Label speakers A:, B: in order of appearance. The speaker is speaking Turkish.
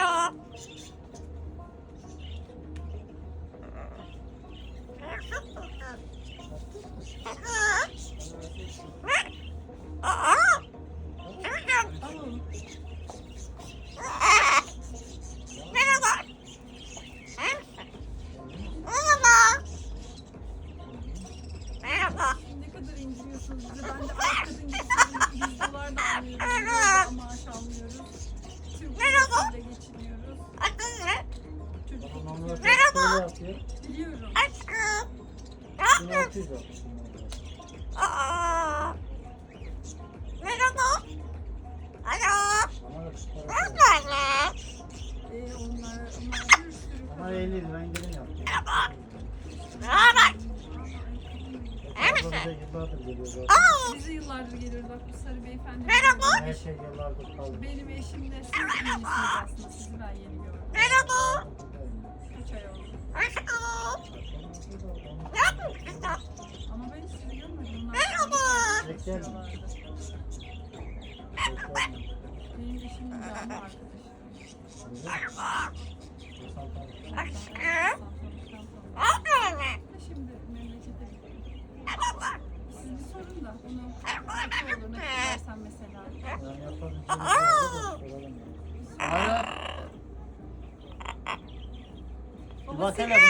A: Alo. Merhaba. Merhaba.
B: Ne kadar inciniyorsunuz bizi. Ben de alt kadın gibi $100 da almıyoruz. Maaş almıyoruz. Türk lirasıyla geçiniyoruz.
A: Adın ne?
B: Çocuk
A: Merhaba.
B: biliyorum.
A: Aşkım. Ne yapıyorsun? Merhaba. Alo. Ne yapıyorsun?
B: Onlar bir sürü
C: Ama 50 lira indirim yaptım.
A: Merhaba. Merhaba. İyi misin?
C: Bize yıllardır geliyor zaten.
B: Bize yıllardır geliyor bak bu sarı beyefendi.
A: Merhaba.
C: Her şey yıllardır kaldı.
B: Benim eşim de siz yenisiniz aslında. Sizi ben yeni gördüm.
A: Merhaba.
B: Kaç ay oldu.
A: Aşkım. Ne yapıyorsun sen?
B: Ama ben hiç sizi görmedim. Onlar
A: Merhaba.
B: çalışıyorlardı. Benim eşimin canlı arkadaşı.
A: Merhaba. Aşkım. Ne
B: Santralıktan tanıdım.
A: yapıyorsun?
B: Şimdi memlekete gidiyorum.
A: Merhaba.
B: Siz bir sorun da onu ne olur ne istersen mesela.
C: Yani yapabileceğimiz vardı da soralım yani. Alo. Bir bak hele